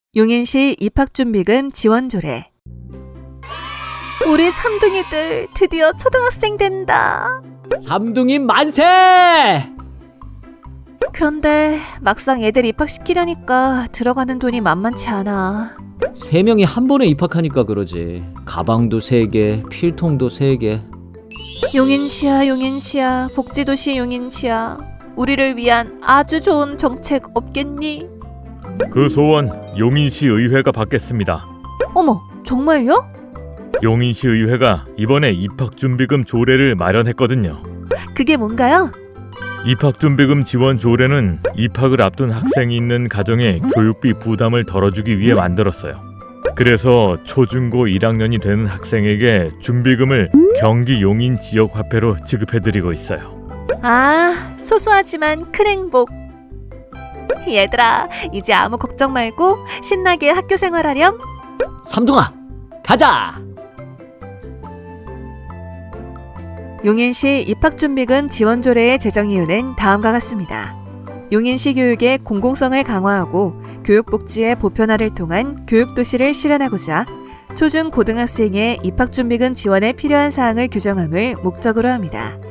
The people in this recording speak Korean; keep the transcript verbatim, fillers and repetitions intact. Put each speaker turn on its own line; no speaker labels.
용인시 입학준비금 지원조례. 우리 삼둥이들 드디어 초등학생 된다.
삼둥이 만세!
그런데 막상 애들 입학시키려니까 들어가는 돈이 만만치 않아.
세 명이 한 번에 입학하니까 그러지. 가방도 세 개, 필통도 세 개.
용인시야 용인시야 복지도시 용인시야, 우리를 위한 아주 좋은 정책 없겠니?
그 소원 용인시 의회가 받겠습니다.
어머, 정말요?
용인시 의회가 이번에 입학준비금 조례를 마련했거든요.
그게 뭔가요?
입학준비금 지원 조례는 입학을 앞둔 학생이 있는 가정의 교육비 부담을 덜어주기 위해 만들었어요. 그래서 초중고 일 학년이 되는 학생에게 준비금을 경기 용인 지역 화폐로 지급해드리고 있어요.
아, 소소하지만 큰 행복. 얘들아, 이제 아무 걱정 말고 신나게 학교 생활하렴.
삼둥아, 가자!
용인시 입학준비금 지원조례의 제정 이유는 다음과 같습니다. 용인시 교육의 공공성을 강화하고 교육복지의 보편화를 통한 교육도시를 실현하고자 초중 고등학생의 입학준비금 지원에 필요한 사항을 규정함을 목적으로 합니다.